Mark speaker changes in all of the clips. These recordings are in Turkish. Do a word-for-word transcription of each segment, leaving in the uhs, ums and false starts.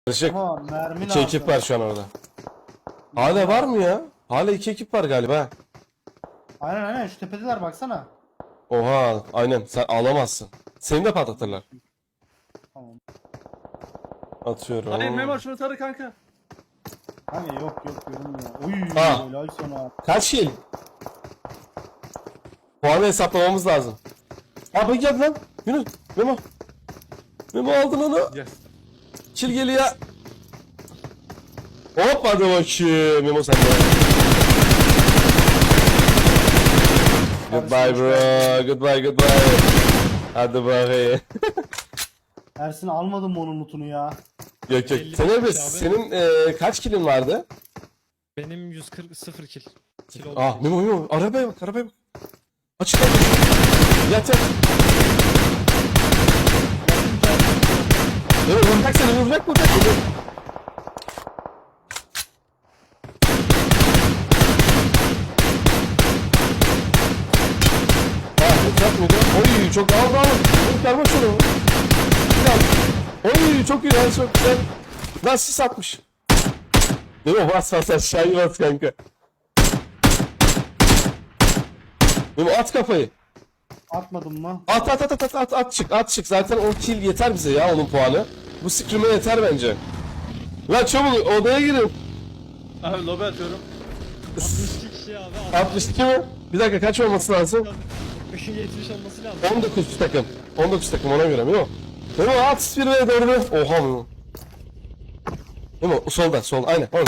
Speaker 1: Karışık.
Speaker 2: Ama mermi
Speaker 1: İki ekip var şu an orada. Hala var mı ya? Hala iki ekip var galiba.
Speaker 2: Aynen aynen şu tepedeler baksana.
Speaker 1: Oha aynen sen alamazsın. Seni de patlatırlar.
Speaker 2: Tamam.
Speaker 1: Atıyorum.
Speaker 3: Hayır Memo şunu tarı kanka.
Speaker 2: Hani yok yok görünmüyor. Uy
Speaker 1: Ah.
Speaker 2: helal sana.
Speaker 1: Kaç kill? Puanı hesaplamamız lazım. Abi gel lan. Yunus. Memo. Memo aldın onu.
Speaker 3: Yes.
Speaker 1: Kill geliyor. Hop hadi bakayım. Memo sen de. Goodbye bro. Goodbye goodbye. Hadi bakayım.
Speaker 2: Ersin almadın mı onun lootunu ya?
Speaker 1: Yok yok.
Speaker 4: elli
Speaker 1: Sen
Speaker 4: beş
Speaker 1: abi
Speaker 4: abi.
Speaker 1: senin e, kaç killin vardı?
Speaker 4: Benim yüz kırk sıfır kill. Kill oldu.
Speaker 1: Ah Memo Memo. Arabaya bak arabaya bak. Açık lan. Yat yat. Memo vuracak seni vuracak vuracak. Vuracak. Ah uçak mıydı? Oy çok aldı aldı. Oy karma şunu. Oy çok iyi lan çok güzel. Lan sis atmış. Memo bas bas aşağıya bas kanka. Memo at kafayı.
Speaker 2: Atmadın mı?
Speaker 1: At at at at at at çık at çık zaten o kill yeter bize ya onun puanı. Bu scrim'e yeter bence. Lan çabuk odaya girin.
Speaker 3: Abi lobi atıyorum.
Speaker 4: altmış iki kişi abi.
Speaker 1: altmış iki mi? Bir dakika kaç olması lazım?
Speaker 4: yetmiş olması lazım.
Speaker 1: on dokuz takım. on dokuz takım ona göre Memo. Memo at bir ve dördü. Oha Memo. Memo solda sol aynen orada.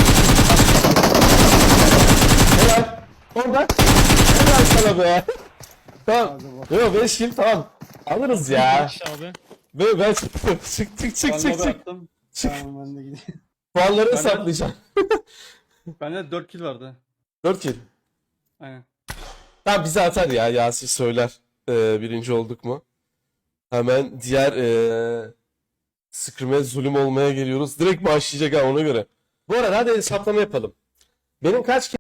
Speaker 1: Helal. Orada. Helal sana be. Tamam. Memo beş kill tamam. Alırız ya.
Speaker 4: kişi abi.
Speaker 1: Memo ben çıktım. Çık çık çık
Speaker 3: Ben
Speaker 1: çık
Speaker 3: lobi
Speaker 1: çık.
Speaker 3: attım.
Speaker 2: Tamam ben de gideyim.
Speaker 1: Puanları
Speaker 3: Ben-
Speaker 1: hesaplayacağım.
Speaker 3: Bende dört kill vardı.
Speaker 1: dört kill.
Speaker 3: Aynen.
Speaker 1: Tamam bize atar ya Yasin söyler ee, birinci olduk mu? Hemen diğer ee, scrim'e zulüm olmaya geliyoruz. Direkt başlayacak ha ona göre. Bu arada hadi hesaplama yapalım. Benim kaç